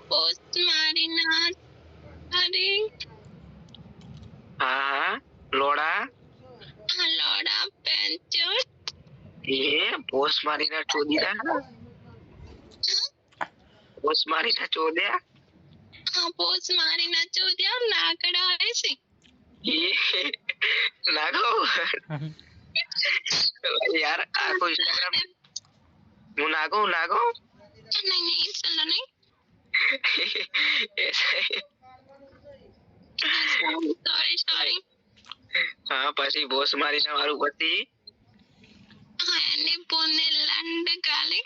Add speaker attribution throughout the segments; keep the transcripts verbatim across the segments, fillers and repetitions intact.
Speaker 1: post मारी ना अरे
Speaker 2: हाँ लोड़ा
Speaker 1: हाँ लोड़ा पेंचर
Speaker 2: ये पोस्ट मारी ना चोदी था पोस्ट मारी ना चोदिया
Speaker 1: हाँ पोस्ट मारी ना चोदिया नाकड़ा ऐसे
Speaker 2: ये नागो यार आपको इंस्टाग्राम हूँ नागो नागो
Speaker 1: नहीं नहीं चलो नहीं सॉरी सॉरी
Speaker 2: हाँ પછી બોસ મારીને મારું પતિ
Speaker 1: हाँ એને પોને લંડ ગાલે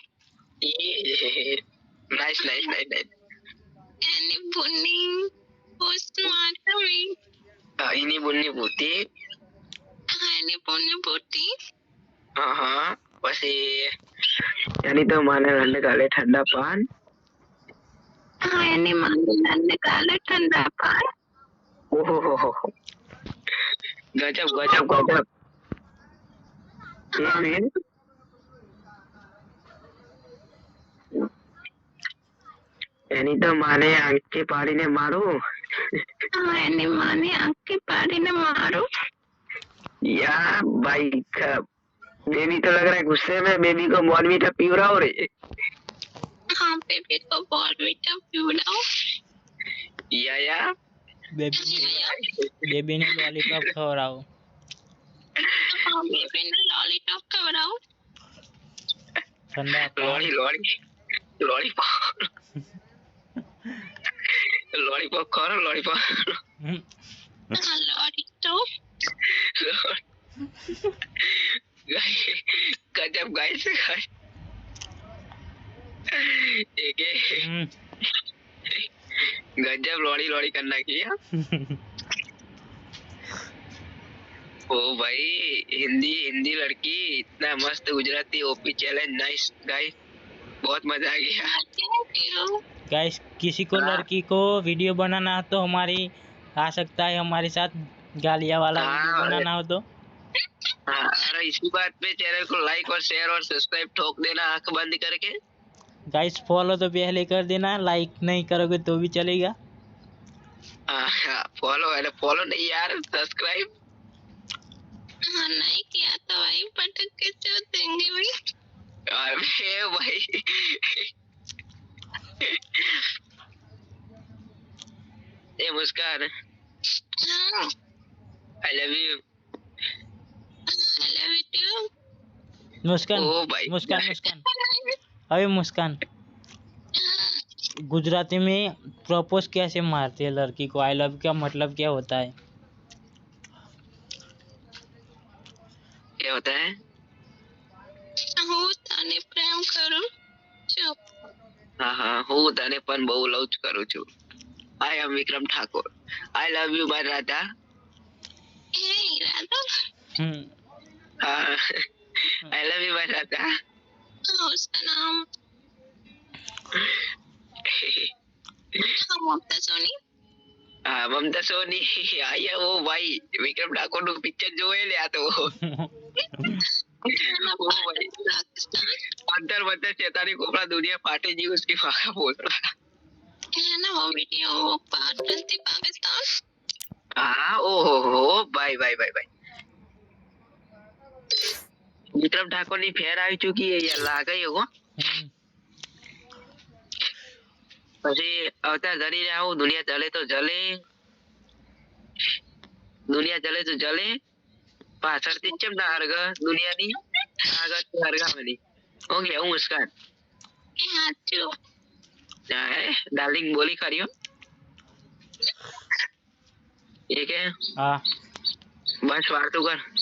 Speaker 2: નાઈસ નાઈસ નાઈસ નાઈસ
Speaker 1: એને પોની પોસ્ટ મારવી
Speaker 2: हाँ इनी बुन्नी भूती
Speaker 1: हाँ એને પોને પોતી
Speaker 2: हाँ हाँ પછી यानी तो माने लंड गाले ठंडा पान
Speaker 1: हाँ એને માને લંડ ગાલે ठंडा पान
Speaker 2: ओहो गजब गजब गजब એની તો માને આંખે પાડીને મારું
Speaker 1: हाँ એને માને આંખે પાડીને મારું
Speaker 2: यार भाई बेबी तो लग रहा है गुस्से में बेबी को बॉर्नवीटा पीवराओ रे
Speaker 1: हाँ बेबी को बॉर्नवीटा पीवराओ
Speaker 2: या या
Speaker 3: बेबी ने बेबी ने लॉलीपॉप खवराओ
Speaker 1: हाँ बेबी ने लॉलीपॉप खवराओ
Speaker 3: ठंडा
Speaker 2: लॉली लॉली लॉलीपॉप लॉलीपॉप खाओ लॉलीपॉप
Speaker 1: हाँ लॉलीपॉप
Speaker 2: गजब गाइस एक गजब लॉड़ी लॉड़ी करना किया ओ भाई हिंदी हिंदी लड़की इतना मस्त Gujarati OP challenge nice guys बहुत मजा आ गया
Speaker 3: गाइस किसी को लड़की को वीडियो बनाना हो तो हमारी आ सकता है हमारे साथ गालिया वाला वीडियो बनाना हो तो
Speaker 2: हाँ अरे इसी बात पे चैनल को लाइक और शेयर और सब्सक्राइब ठोक देना आंख बंद करके
Speaker 3: गाइस फॉलो तो पहले कर देना लाइक नहीं करोगे तो भी चलेगा
Speaker 2: हाँ फॉलो है फॉलो नहीं यार सब्सक्राइब
Speaker 1: हाँ नहीं किया तो भाई पटक के चोट देंगे भाई
Speaker 2: अरे भाई ए मुस्कान
Speaker 1: हाँ
Speaker 2: I love you
Speaker 1: I love you too
Speaker 3: Muskan
Speaker 2: ओ भाई
Speaker 3: मुस्कान मुस्कान अरे मुस्कान गुजराती में प्रपोज कैसे मारते हैं लड़की को आई लव का मतलब क्या होता है
Speaker 2: क्या होता है
Speaker 1: હું તને પ્રેમ કરું છું
Speaker 2: हाँ हाँ હું તને પણ બહુ લવ કરું છું I am Vikram Thakur I love you my Radha
Speaker 1: એ રાધા
Speaker 3: हम्म
Speaker 2: हाँ I love you my Radha
Speaker 1: उसका नाम हाँ ममता सोनी
Speaker 2: हाँ ममता सोनी आया वो भाई विक्रम ठाकुर નું પિક્ચર જોઈ લે આ તો अंदर अंदर चेतानी कोपड़ा दुनिया फाटे जी उसकी फाका बोल रहा
Speaker 1: है ना वो वीडियो वो पाकिस्तान पाकिस्तान
Speaker 2: हाँ ओ हो हो भाई भाई भाई भाई विक्रम ठाकुर ની ફેર આવી ચૂકી है यार લાગે એવો પછી અવતાર ધરી રહ્યા હું દુનિયા ચલે તો જલે દુનિયા ચલે તો જલે પાછળથી ચમ ના હરગ દુનિયાની આગળ હરગાવાની ઓકે હું મુસ્કાન
Speaker 1: हाँ चो
Speaker 2: डार्लिंग बोली करियो ठीक है
Speaker 3: हाँ
Speaker 2: बस वार्तु कर